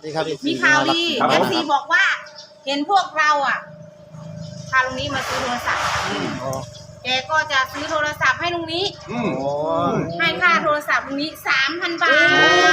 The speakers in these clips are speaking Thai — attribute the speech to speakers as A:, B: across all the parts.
A: มีข่าวดีFCบอกว่าเห็นพวกเราอ่ะพาลุงนี้มาซื้อโทรศัพท์แกก็จะซื้อโทรศัพท์ให้ลุงนี้ให้ค่าโทรศัพท์ลุงนี้ 3,000 บาท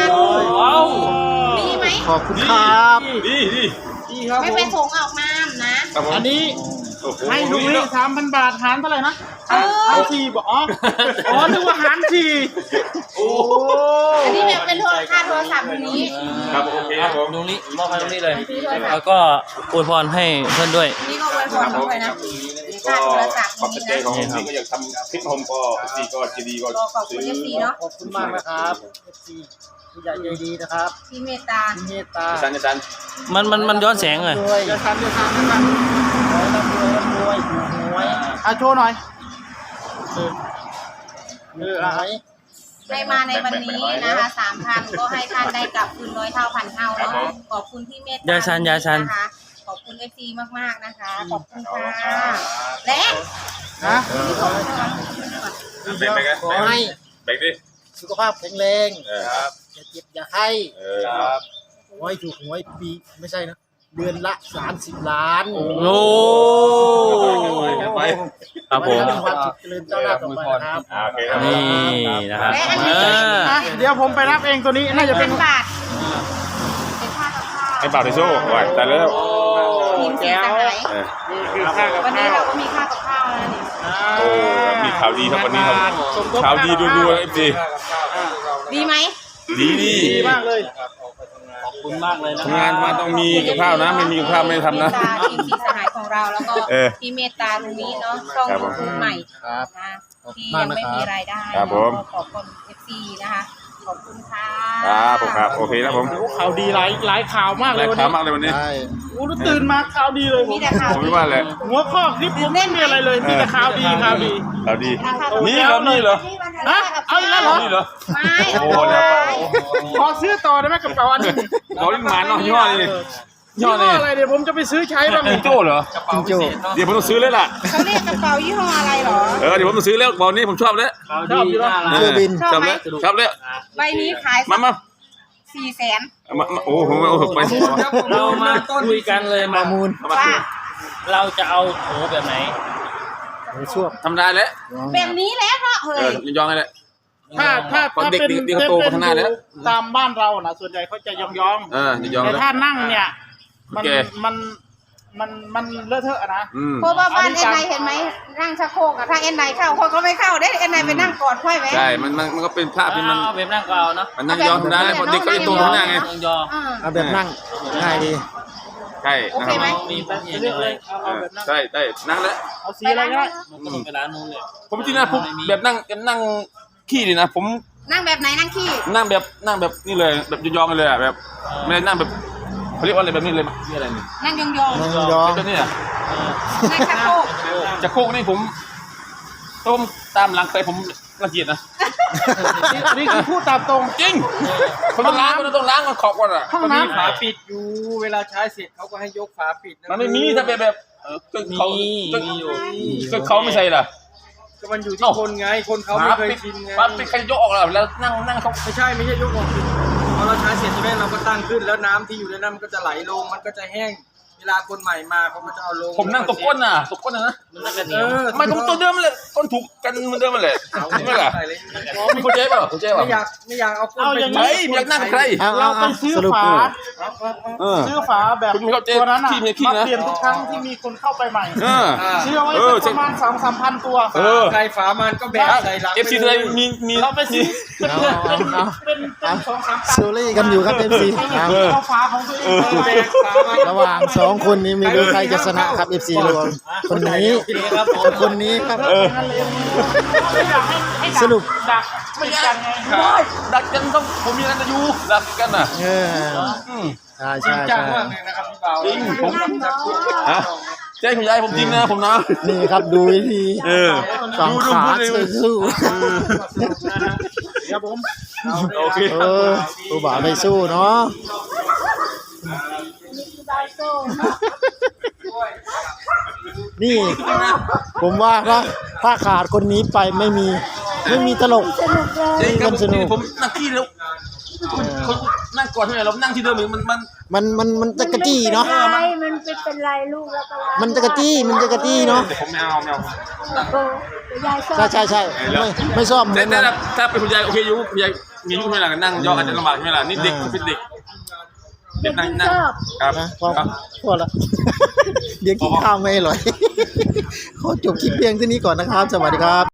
A: ดีไหม
B: ขอบคุณครับ
C: ดี
A: ครับไม่ไปส่งออกมานะ
B: อันนี้ให้ลุงนี่ 3,000 บาทหารเท่าไหร่นะหาร4บอกอ๋อนึกว่าหาร4
A: อันนี้แบบเป็นค่าโทรศัพท์ลุงนี้
C: ครับโอเคครับผม
D: ลุงนี้มอบให้ลุงนี้เลยแล้วก็อวยพรให้เพื่อนด้วย
A: นี่ก็อวยพรด้วยนะค่าโทรศัพท์
C: ปกติของผมก็อยากทำคลิปผมก็ซีก็จีดีก็
A: ขอบคุณFCเนาะ
B: ขอบคุณมากนะครับ FC ผู้ใหญ่ใจดีนะครับ
A: ที่เมตตา
C: สัน
D: มันย้อนแสงเลย
B: จะทำนะครับรวยโชว์หน่อย
A: ให้มาในวันนี้นะคะ 3,000 ก็ให้ท่านได้กลับคืน100 เท่าพันเท่าเนาะขอบคุณที่เมตตาย
D: าชัน
A: นะคะขอบคุณFC มากๆนะคะขอบคุณค่ะและ
B: ขอให้
C: แบ่งดิ
B: สุขภาพแข็งแรงอย่าเจ็บอย่าไข้ขอให้ถูกหวยปีไม่ใช่นะเดือนละ30 ล้าน
D: โอ้ครับผม
B: ความสุขเจริญเจ้าหน้าต่อไปนะครับ
D: นี่นะครับ
B: เดี๋ยวผมไปรับเองตัวนี้น่าจะเป็น
A: บาท
C: ให้เปล่าที่โซ่ไว้แต่แล้ว
A: ทีมสีสหายวันนี้เราก็มีค่ากับข้าวแล้วนี่
C: โอ้มีข่าวดีครับวันนี้ครับข่าวดีดูๆFC
A: ดีไหม
C: ดี
B: มากเลย
D: ขอบคุณมากเลยนะ
C: ทำงานมาต้องมีกับข้าวนะไม่มีกับข้าวไม่ทำนะ
A: ทีมสีสหายของเราแล้วก็ที่เมตตาตรงนี้เนาะช่องยูทูบใหม่นะที่ยังไม่มีรายได้ขอบคุณ FC นะคะขอบคุณค่ะ
C: ครับโอเคนะผม
B: ข่าวดีหลายข่าวมากเลย
C: ข่าวมากเลยวันนี้
B: โอ้ตื่นมาข่าวดีเลย
A: มีแต่ข่าว
C: ผมไม่ว่าเลย
B: หัวข้อคลิปผมไม่มีอะไรเลยมีแต่ข่าวดี
C: นี่เหรอ
B: นะเอาแล้วเหรอ
A: ไม่
C: โอ้โห
B: ขอซื้อต่อได้ไหมกับเป๋าอันนี้
C: เรายิ่งหมาเนาะยี่ห้อนี่
B: อะไรเดี๋ยวผมจะไปซื้อใช้บ้าง
C: จิงโจ้เหรอจิงโจ้เดี๋ยวผมต้องซื้อเลยล่ะ
A: เขาเรียกกระเป๋ายี่ห้ออะไรหรอ
C: เดี๋ยวผมต้องซื้อแล้วบอลนี้ผมชอบแล้ว
B: ชอบอยู่แล้ว
A: บินชอบ
C: แล้ว
A: ใบนี้ขาย
C: มา
A: 400,000
C: โอ้โหไป
D: เรามาคุยกันเลย
B: มามูล
A: ว่า
D: เราจะเอาโถแบบไหน
B: ช่วง
C: ทำได้แล้ว
A: แบบนี้แล้วเนาะเฮ้ย
C: ยองไงแหละ
B: ถ้าเป็นตามบ้านเรานะส่วนใหญ่เขาจะยองแต่ถ้านั่งเนี่ยมันเลอะเทอะนะ
A: เพราะว่าบ้านเอ็นไนเห็นไหมนั่งชักโครกอะถ้าเอ็นไนเข้าคนก็ไม่เข้าได้เอ็นไนไปนั่งกอดค่อยไหม
C: ใช่มันก็เป็นภาพที่มัน
D: แบบนั่งก็เอาเนาะ
C: มันนั่งยองได้เพราะเด็กก็ยังโตข้างหน้าไง
B: เอาแบบนั่งง่ายดี
C: ใช่
A: โอเคไหม
D: มีแป๊บเดียวเลย
C: ใช่นั่งแล้ว
B: เอาสีอะไรก็ได้
D: ไปร้านนู้นเลย
C: ผมจริงนะผมแบบนั่งขี้ดีนะผม
A: นั่งแบบไหนนั่งขี้
C: นั่งแบบนี่เลยแบบยองๆเลยอ่ะแบบไม่ได้นั่งแบบเขาเรียกว่าอะไรแบบนี้เลยนี่อะไรนี่
A: นั่งยอง
C: แบบนี้อ่ะ
A: นั่งชักโครก
C: จะโคกนี่ผมต้มตามหลังไปผมละเอียดนะ
B: นี่คือพูดตามตรง
C: จริงคนต้องล้างมันขอบก่อนอ่ะ
B: ห้องน้ำฝาปิดอยู่เวลาใช้เสร็จเขาก็ให้ยกฝาปิด
C: มันไม่มีถ้าแบบเขาไม่ใส่ล่ะ
B: ก็มันอยู่ที่คนไงคนเขาไม่เคยชินไง
C: มันเป็นใครยกออกแล้วนั่งเขา
B: ไม่ใช่ยกออกพอเราใช้เสร็จใช่ไหมเราก็ตั้งขึ้นแล้วน้ำที่อยู่ในนั้นมันก็จะไหลลงมันก็จะแห้งเวลาคนใหม่มาเขาก็จะเอาลง
C: ผมนั่งตกก้นนะ
D: มันนั่งกันเหนียว
C: ไม่ผมตัวเดิมเลยก้นถูกกันเหมือนเดิมเลยไม่ล่ะมีคนเจ๊ป่ะ
B: ไม่อยากเอาก้นไป
C: ไหนอยากนั่งใคร
B: เราไปซื้อฝาแบบตัวนั้นน่ะมาเปลี่ยนทุกครั้งที่มีคนเข้าไปใหม่ซื้อไว้ประมาณ 2-3 พันตัวใครฝามันก็แบกใส่หลัง
C: FC ไทยมี
B: เราไปซื้อเป็น2-3
E: ซูรี่กันอยู่ครับ FC
B: เอาฝาของตัวเองแบกฝา
E: ระหว่าง2คนนี้ไม่รู้ใครจะชนะครับ FC รวมคนนี้คนนี้ครับสรุป
B: ดักไม่กันไง
C: ดักกันต้องผมมีกันอยู่ดักกันน่ะ
E: ใช่
B: จังมากเลยนะครับพี่บ่าว
C: จริงผมแจ้งคุณยายผมจริงนะผมนะ
E: นี่ครับดูวิธีฝั่งขาสู้
B: ครับผม
C: โอเค
E: ผู้บ่าวไม่สู้เนาะนี่ผมว่าถ้าขาดคนนี้ไปไม่มีตลก
C: จริงครับผมนั่งที่แล้วคนนั่งก่อนใช่ไหมเรานั่งที่เดิมมัน
E: มันจะกระจี้เนาะ
F: มันเป็นไรลูกแล้วก็รัก
E: มันจะกระจี้เนาะ
C: แต่ผมไม่เอา
F: โอ้ยายชอบ
E: ใช่ไม่ชอบเหมื
C: แต่
E: อนกัน
C: ถ้าเป็นคุณยายโอเคอยู่คุณยายมีอายุไม่หลังนั่งย่ออาจจะลำบากไม่หลังนี่เด็กเป็นเด็กเด็กนั่งครับ
E: นะพอละ เดี๋ยวกินข้าวไม่อร่อย ขอจบคลิปเพียงเท่านี้ก่อนนะครับ สวัสดีครับ